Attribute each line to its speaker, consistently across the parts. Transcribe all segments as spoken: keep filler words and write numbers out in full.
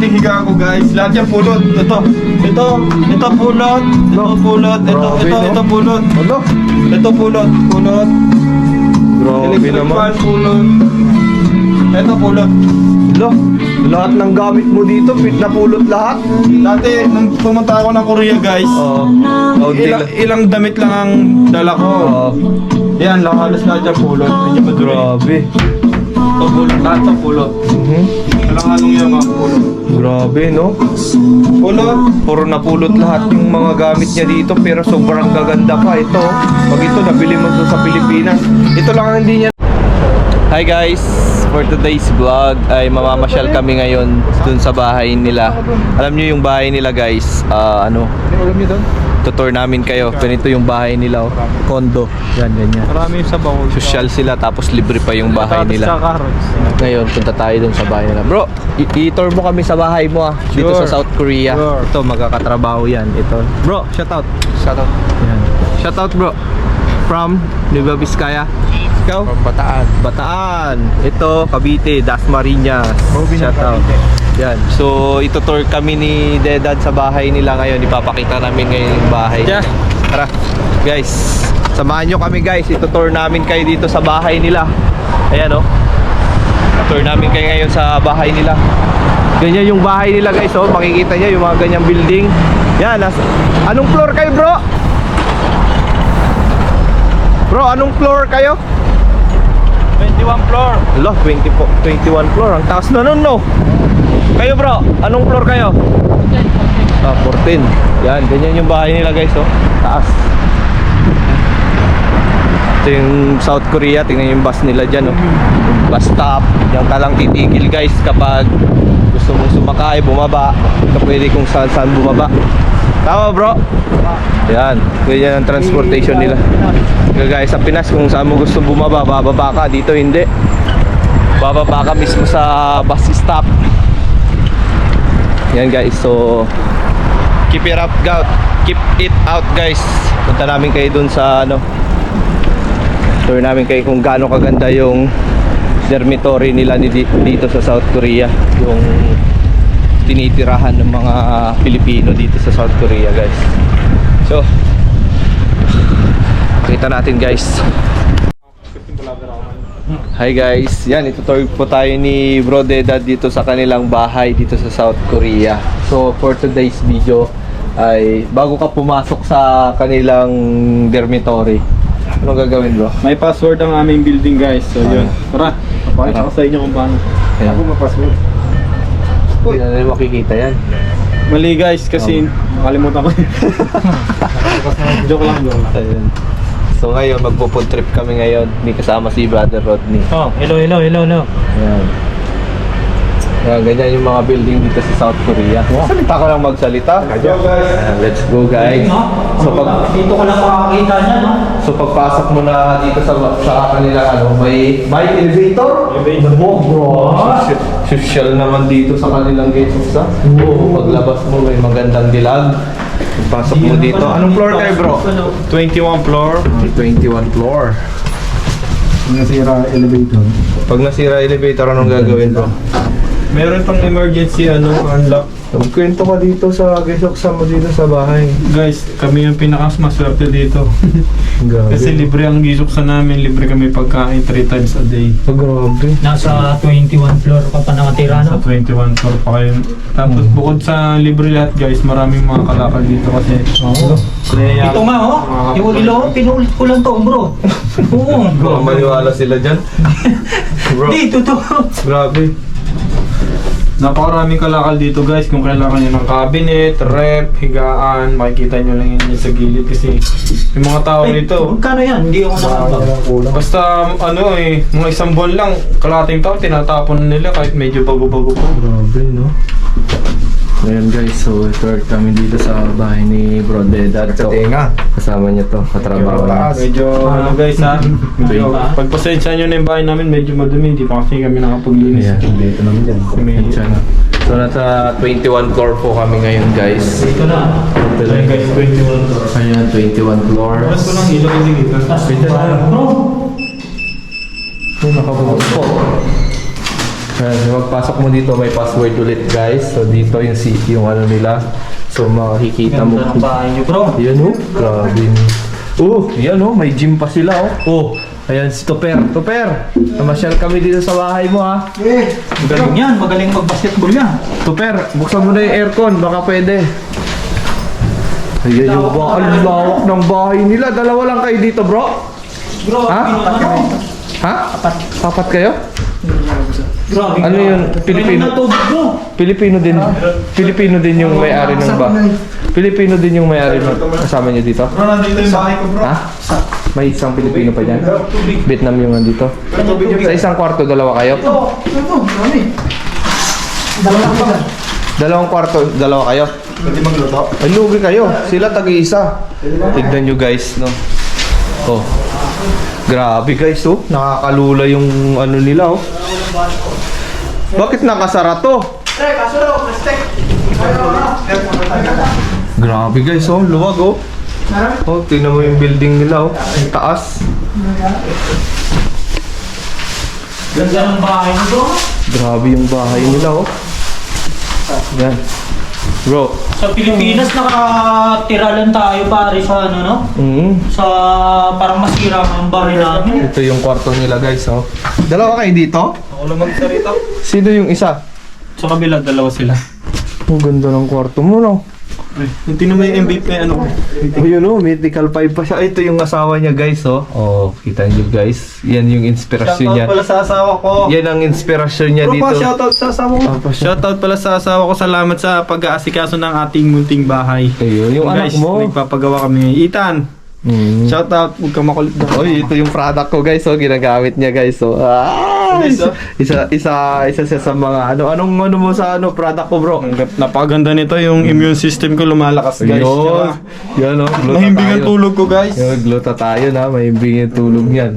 Speaker 1: munting higa ko guys. Lahat yan pulot. Ito, ito, ito pulot. Ito pulot. Ito, ito, ito pulot.
Speaker 2: Ano?
Speaker 1: Ito pulot. Pulot.
Speaker 2: Grabe
Speaker 1: Electric
Speaker 2: naman.
Speaker 1: fan pulot. Ito pulot.
Speaker 2: Lo, lahat ng gamit mo dito, fit na pulot lahat.
Speaker 1: Dati, nung pumunta ako ng Korea guys,
Speaker 2: Oo. Oh,
Speaker 1: ilang, ilang damit lang ang dala ko.
Speaker 2: Oo.
Speaker 1: Yan, lang halos lahat yung pulot. Medyo madumi.
Speaker 2: Grabe.
Speaker 1: Ito pulot, lahat ng pulot.
Speaker 2: Mhm.
Speaker 1: Walang halong yung mga pulot.
Speaker 2: Grabe, no?
Speaker 1: Pulot.
Speaker 2: Puro napulot lahat yung mga gamit niya dito, pero sobrang gaganda pa ito. Pag ito, nabili mo ito sa Pilipinas. Ito lang ang hindi niya. Hi guys! For today's vlog ay mamamasyal kami ngayon dun sa bahay nila. Alam niyo yung bahay nila guys, ah, ano?
Speaker 1: Alam niyo doon?
Speaker 2: Tutor namin kayo. Ganito yung bahay nila, oh. Condo. Yan, ganyan.
Speaker 1: Marami yung sabaw.
Speaker 2: Social sila, tapos libre pa yung bahay nila.
Speaker 1: carrots.
Speaker 2: Ngayon, punta tayo dun sa bahay nila. Bro, i- i-tour mo kami sa bahay mo ah. Dito
Speaker 1: Sure.
Speaker 2: sa South Korea.
Speaker 1: Sure.
Speaker 2: Ito, magkakatrabaho yan. Ito.
Speaker 1: Bro, shout out. Shout out.
Speaker 2: Yan. Shout out bro. From Nueva Vizcaya. Ikaw?
Speaker 1: From Bataan.
Speaker 2: Bataan. Ito, Cavite, Dasmariñas. Shout out. Yan. So, ito-tour kami ni Dedad sa bahay nila ngayon. Ipapakita namin ngayon yung bahay.
Speaker 1: Yeah.
Speaker 2: Tara, guys. Samahan nyo kami guys. Ito-tour namin kayo dito sa bahay nila. Ayan o. Oh. Tour namin kayo ngayon sa bahay nila. Ganyan yung bahay nila guys oh. Makikita nyo yung mga ganyang building. Yan. Nas anong floor kayo bro? Bro, anong floor kayo?
Speaker 1: twenty-one floor.
Speaker 2: Lo, twenty po, twenty-one floor. Ang taas na nun, no? Kayo bro, anong floor kayo? Ah, fourteen. Yan, ganyan yung bahay nila guys, oh. Taas. Ito yung South Korea. Tingnan yung bus nila dyan, oh. Bus stop. Yan ka lang titigil guys kapag gusto mong sumakay, bumaba. Ito pwede kung saan saan bumaba. Tama bro? Yan, ganyan ang transportation nila. Kagaya sa Pinas, kung saan mo gusto bumaba, bababa ka. Dito hindi. Bababa ka mismo sa bus stop. Yan guys, so keep it up, out. Keep it out guys. Punta namin kayo dun sa ano, tour namin kayo kung gaano kaganda yung dormitory nila dito sa South Korea. Yung tinitirahan ng mga Pilipino dito sa South Korea guys. So kita natin guys. Hi guys, yan, itutour po tayo ni Bro Dedad dito sa kanilang bahay dito sa South Korea. So for today's video ay bago ka pumasok sa kanilang dormitory, anong gagawin bro?
Speaker 1: May password ang aming building guys. So yun. Tara, papakita ko sa inyo kung paano.
Speaker 2: Ayan.
Speaker 1: Ako may password.
Speaker 2: Hindi na rin makikita yan.
Speaker 1: Mali guys kasi nakalimutan ko. Joke lang, joke lang.
Speaker 2: Ayun. So ngayon magpo-food trip kami ngayon. Hindi kasama si Brother Rodney.
Speaker 3: Oh, hello, hello, hello, hello.
Speaker 2: Ayan. Ayan, ganyan yung mga building dito sa South Korea. Salita ko lang magsalita. Ayan, let's go guys. So pag
Speaker 3: Dito ka lang makakita niya, no?
Speaker 2: so pagpasok mo na dito sa sa kanila ano, may may elevator.
Speaker 1: Elevator.
Speaker 2: Oh, bro. Social naman dito sa kanilang gate sa. Paglabas mo may magandang dilag. Pagpasok mo dito. Anong floor kayo, bro?
Speaker 1: twenty-one floor.
Speaker 2: twenty-one floor.
Speaker 1: Nasira elevator.
Speaker 2: Pag nasira elevator, anong gagawin, bro?
Speaker 1: Meron pang emergency ano, unlock.
Speaker 2: Magkwento ka dito sa gisoksa mo dito sa bahay.
Speaker 1: Guys, kami yung pinakas maswerte dito.
Speaker 2: Grabe.
Speaker 1: Kasi libre ang gisok sa namin, libre kami pagkain three times a day.
Speaker 2: Oh, grabe.
Speaker 3: Nasa twenty-one floor ka pa nakatira,
Speaker 1: Sa
Speaker 3: no?
Speaker 1: twenty-one floor pa kayo. Tapos bukod sa libre lahat guys, maraming mga kalakal dito kasi.
Speaker 3: Oo.
Speaker 1: Kaya,
Speaker 3: Ito nga, oh. Yung ilo, pinulit ko lang to, bro. Oo.
Speaker 2: Bro, maniwala sila dyan. Bro,
Speaker 3: Dito to.
Speaker 2: grabe.
Speaker 1: napakaraming kalakal dito guys. Kung kailangan nyo ng cabinet, rep, higaan, makikita nyo lang yun sa gilid kasi yung mga tao
Speaker 3: Ay,
Speaker 1: dito.
Speaker 3: magkano yan? Hindi ako nakabag.
Speaker 1: Basta ano eh, mga isang buwan lang, kalating taon, tinatapon nila kahit medyo bago-bago po.
Speaker 2: Grabe, no? Ngayon guys, so ito kami dito sa bahay ni Bro Dedad. So, kasama niya to, katrabaho niya.
Speaker 1: Medyo ano guys ha, medyo pagpasensya nyo na yung bahay namin, medyo madumi, hindi pa kasi kami nakapaglinis.
Speaker 2: Yeah, dito naman dyan.
Speaker 1: Medyo.
Speaker 2: So nasa twenty-one floor po kami ngayon guys.
Speaker 3: Dito na.
Speaker 1: Ito lang guys, twenty-one floor.
Speaker 2: Ayan, twenty-one floor.
Speaker 1: Oras ko lang ilaw yung dito.
Speaker 3: Tapos, bro.
Speaker 2: Oh, nakabukas po. Ayan, magpasok mo dito, may password ulit guys. So dito yung si yung ano nila. So makikita mo.
Speaker 3: Ganda ng bahay niyo, bro.
Speaker 2: Yan oh, grabe. Oh, yan oh, may gym pa sila oh. Oh, ayan si Toper. Toper, namasyal kami dito sa bahay mo ha.
Speaker 3: Eh, magaling yan. Magaling mag-basketball yan.
Speaker 2: Toper, buksan mo na yung aircon, baka pwede. Ayan yung ba, ang lawak ng bahay nila. Dalawa lang kayo dito bro.
Speaker 3: Bro,
Speaker 2: Ha?
Speaker 3: ano?
Speaker 2: Ha? Apat kayo?
Speaker 3: Grabe.
Speaker 2: Ano yun? Pilipino?
Speaker 3: Ano na tubig, bro?
Speaker 2: Pilipino din. Pilipino din yung may-ari ng ba. Pilipino din yung may-ari ng kasama niyo dito.
Speaker 1: Bro, nandito yung bahay ko bro.
Speaker 2: Ha? May isang Pilipino pa dyan. Vietnam yung nandito. Sa isang kwarto, dalawa kayo?
Speaker 3: Ito, ito, marami. Dalawa pa.
Speaker 2: Dalawang kwarto, dalawa kayo?
Speaker 1: Pwede magluto.
Speaker 2: Ay, lugi kayo. Sila tag-iisa. Tignan nyo guys, no? Oh. Grabe guys, oh. Nakakalula yung ano nila, oh. Bakit nakasara to? Grabe guys, oh. Luwag, oh. Oh, tingnan mo yung building nila, oh. Ang taas.
Speaker 3: Ganda ng bahay niyo, bro.
Speaker 2: Grabe yung bahay nila, oh. Yan. Bro.
Speaker 3: Sa Pilipinas, nakatira lang tayo pare sa ano, no?
Speaker 2: Mm.
Speaker 3: Sa parang masira ang bahay namin.
Speaker 2: Ito yung kwarto nila guys, oh. Dalawa kayo dito?
Speaker 1: Ako lang mag-sarita.
Speaker 2: Sino yung isa?
Speaker 1: Sa kabila, dalawa sila.
Speaker 2: Ang ganda ng kwarto mo, no?
Speaker 1: Yung tingnan mo yung M V P, ano?
Speaker 2: Oh, yun oh, mythical five pa siya. Ito yung asawa niya guys, oh. Oh, kita niyo guys. Yan yung inspirasyon niya.
Speaker 1: Shoutout pala sa asawa ko.
Speaker 2: Yan ang inspirasyon niya
Speaker 1: Bro,
Speaker 2: dito.
Speaker 1: pa, shoutout sa asawa ko.
Speaker 2: Ah, pa siya.
Speaker 1: Shoutout pala sa asawa ko. Salamat sa pag-aasikaso ng ating munting bahay.
Speaker 2: Ayun, yung anak
Speaker 1: Guys,
Speaker 2: mo.
Speaker 1: nagpapagawa kami. Ethan,
Speaker 2: Mm.
Speaker 1: shoutout. Huwag kang makulit daw.
Speaker 2: Oy, ito yung product ko guys, oh. Ginagamit niya guys, oh. Ah, isa, isa, isa, isa siya sa mga ano, anong ano mo sa ano, product ko bro?
Speaker 1: Napakaganda nito. Yung immune system ko lumalakas guys.
Speaker 2: Yun,
Speaker 1: Tsaka,
Speaker 2: yan oh. gluta
Speaker 1: mahimbing ang
Speaker 2: tayo.
Speaker 1: tulog ko guys.
Speaker 2: Yung gluta tayo na, mahimbing yung tulog niyan.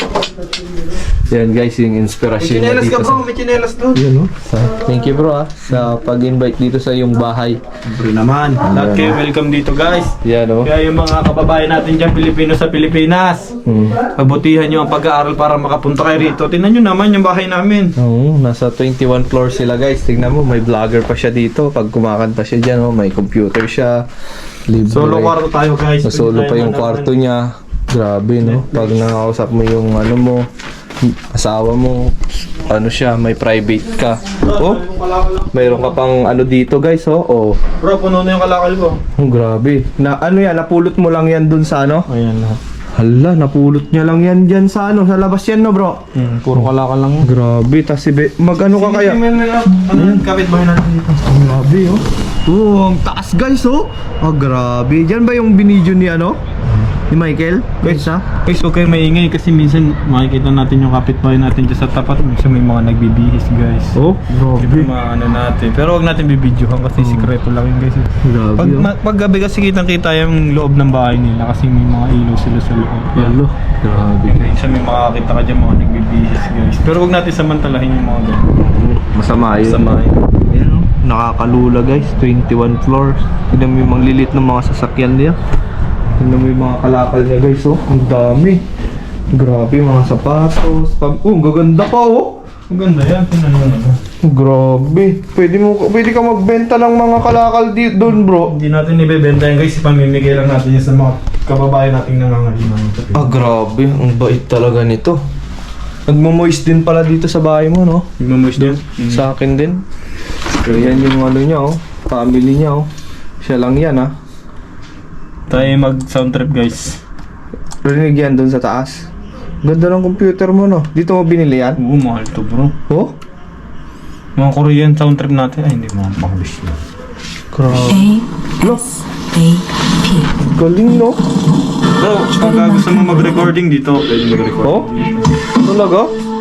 Speaker 2: Yan guys, yung
Speaker 1: May
Speaker 2: inspirasyon niya
Speaker 1: chinelas
Speaker 2: dito
Speaker 1: ka
Speaker 2: sa...
Speaker 1: bro, may chinelas doon.
Speaker 2: Yun oh. Sa, thank you bro ah, sa pag-invite dito sa iyong bahay.
Speaker 1: Siyempre naman. Lahat kayo welcome dito guys.
Speaker 2: Yan oh.
Speaker 1: Kaya yung mga kababayan natin dyan, Pilipino sa Pilipinas,
Speaker 2: Hmm.
Speaker 1: pabutihan nyo ang pag-aaral para makapunta kayo rito. Tingnan nyo naman yung bahay namin.
Speaker 2: Oo, nasa twenty-one floor sila guys. Tingnan mo, may vlogger pa siya dito. Pag kumakanta siya dyan, oh, may computer siya. Libre.
Speaker 1: Solo kwarto tayo guys.
Speaker 2: Sa solo pa yung kwarto niya. Grabe no. Pag nakakausap mo yung ano mo, asawa mo, ano siya, may private ka. Oh, mayroon ka pang ano dito guys, oh. Oh,
Speaker 1: Bro, puno na yung kalakal ko.
Speaker 2: oh grabe. Na ano yan, napulot mo lang yan dun sa ano?
Speaker 1: Ayan lahat.
Speaker 2: Hala, napulot niya lang yan dyan sa ano, sa labas yan no bro?
Speaker 1: Hmm, puro kalakal lang.
Speaker 2: Grabe, tas si Be, mag ano ka kaya?
Speaker 1: Ano yung kapit bahay natin dito?
Speaker 2: Ang grabe oh. Oh, ang taas guys oh. Ah, grabe. Diyan ba yung binidyo ni ano? Ni Michael? Guys ha?
Speaker 1: Guys, huwag kayo maingay kasi minsan makikita natin yung kapitbahay natin dyan sa tapat. Minsan may mga nagbibihis guys.
Speaker 2: Oh,
Speaker 1: Hindi
Speaker 2: grabe.
Speaker 1: maano natin. Pero huwag natin bibidyohan kasi sikreto lang yun guys.
Speaker 2: Grabe
Speaker 1: Pag,
Speaker 2: oh.
Speaker 1: ma- pag gabi kasi kitang kita yung loob ng bahay nila kasi may mga ilaw sila sa loob.
Speaker 2: Yalo. Grabe.
Speaker 1: Minsan may makakita ka dyan mga nagbibihis guys. Pero huwag natin samantalahin yung mga ganyan.
Speaker 2: Masama yun.
Speaker 1: Masama yun.
Speaker 2: Ayan, oh. Nakakalula guys, twenty-one floors. Tignan mo yung mga lilit ng mga sasakyan niya. Tignan mo yung mga kalakal niya guys, oh. Ang dami. Grabe, mga sapatos. Pag... Oh, ang gaganda pa, oh.
Speaker 1: Ang ganda yan. Tingnan mo na.
Speaker 2: Grabe. Pwede mo pwede ka magbenta ng mga kalakal di doon, bro.
Speaker 1: Hindi natin ibebenta yan guys. Pamimigay lang natin yan sa mga kababayan nating nangangailangan.
Speaker 2: Ah, grabe. Ang bait talaga nito. Nagmo-moist din pala dito sa bahay mo, no?
Speaker 1: Magmamoist din.
Speaker 2: Sa akin din. So, yan yung ano niya, oh. Family niya, oh. Siya lang yan, ah.
Speaker 1: Tayo mag sound trip guys.
Speaker 2: Rinig yan doon sa taas. Ganda ng computer mo, no? Dito mo binili yan?
Speaker 1: Oo, mahal to bro.
Speaker 2: Oh?
Speaker 1: Mga Korean sound trip natin. Ay, hindi mga English na.
Speaker 2: Grabe.
Speaker 4: A S A P.
Speaker 2: Galing, no?
Speaker 1: Bro, pag gusto mo mag-recording dito, pwede mag-record.
Speaker 2: Oh? Talaga?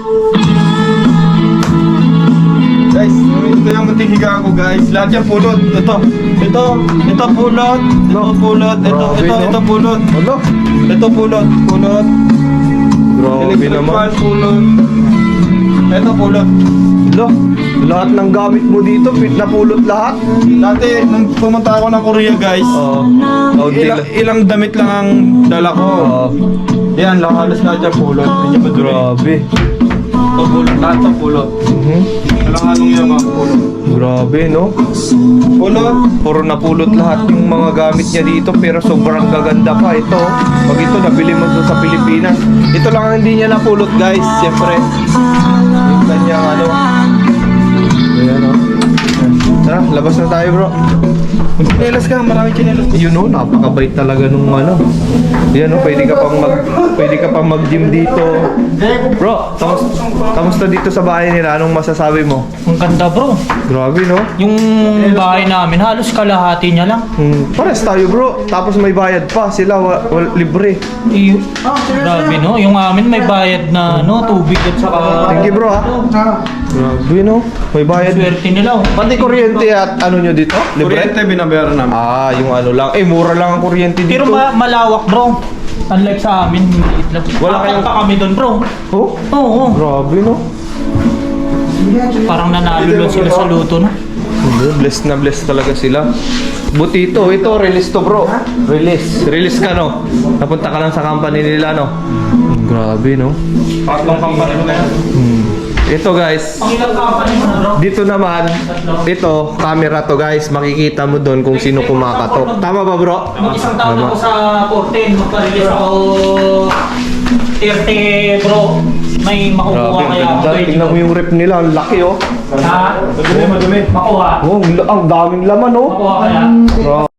Speaker 1: Guys, ito yung munting higa ko guys. Lahat yan pulot. Ito, ito, ito pulot. Ito pulot. Ito,
Speaker 2: Grabe,
Speaker 1: ito,
Speaker 2: no?
Speaker 1: ito pulot.
Speaker 2: Ano?
Speaker 1: Ito pulot. Pulot.
Speaker 2: Grabe
Speaker 1: Electric
Speaker 2: naman.
Speaker 1: fan, pulot. Ito pulot.
Speaker 2: Lo, lahat ng gamit mo dito, fit na pulot lahat.
Speaker 1: Dati, nung pumunta ako ng Korea guys,
Speaker 2: Oo. Oh,
Speaker 1: ilang, ilang damit lang ang dala ko.
Speaker 2: Oo.
Speaker 1: Yan, lang halos lahat yan pulot. Medyo madulo.
Speaker 2: Grabe.
Speaker 1: Ito pulot, lahat to pulot.
Speaker 2: Mhm.
Speaker 1: Walang anong yaman, pulot.
Speaker 2: Grabe, no?
Speaker 1: Pulot.
Speaker 2: Puro napulot lahat yung mga gamit niya dito pero sobrang gaganda pa ito. Pag ito nabili mo doon sa Pilipinas. Ito lang ang hindi niya napulot guys, siyempre. Yung kanyang ano. Ayan o. Tara, labas na tayo bro.
Speaker 1: Chinelas ka, marami chinelas.
Speaker 2: Yun o, napakabait talaga nung ano. Yan o, pwede ka pang mag pwede ka pang mag-gym dito. Bro, kamus- kamusta dito sa bahay nila? Anong masasabi mo?
Speaker 3: Ang ganda bro.
Speaker 2: Grabe no?
Speaker 3: Yung bahay namin, halos kalahati niya lang.
Speaker 2: Hmm, pares tayo bro. Tapos may bayad pa sila, wa, wa- libre.
Speaker 3: Eh, grabe no, yung amin may bayad na no, tubig at saka...
Speaker 2: Thank you bro ha. Grabe no, may bayad.
Speaker 3: Swerte nila oh.
Speaker 2: Pati kuryente at ano nyo dito? Libre?
Speaker 1: Kuryente binabayaran namin.
Speaker 2: Ah, yung ano lang. Eh, mura lang ang kuryente dito.
Speaker 3: Pero ma- malawak bro. Unlike sa amin, maliit lang.
Speaker 2: Wala
Speaker 3: Apat
Speaker 2: kayong-
Speaker 3: pa kami doon bro.
Speaker 2: Oh,
Speaker 3: Oo,
Speaker 2: grabe no.
Speaker 3: parang nanalo lang sila sa luto no.
Speaker 2: Hindi, blessed na blessed talaga sila. Buti ito, ito, release to bro. Release. Release ka no. Napunta ka lang sa company nila no. Grabe no.
Speaker 1: Tatlong company na yan.
Speaker 2: Hmm. Ito guys,
Speaker 3: Ang ilang company mo na bro?
Speaker 2: dito naman, ito, camera to guys. Makikita mo doon kung sino kumakatok. Tama ba bro?
Speaker 3: Mag-isang taon
Speaker 2: Tama.
Speaker 3: ako sa fourteen, magpa-release ako thirty bro. May makukuha
Speaker 2: Grabe, ang
Speaker 3: kaya ako.
Speaker 2: ganda. Tingnan mo yung rep nila, ang laki oh.
Speaker 3: Ha?
Speaker 1: Madumi, madumi.
Speaker 3: Makuha.
Speaker 2: Oh, ang daming laman oh.
Speaker 3: Makuha kaya.
Speaker 2: Bro.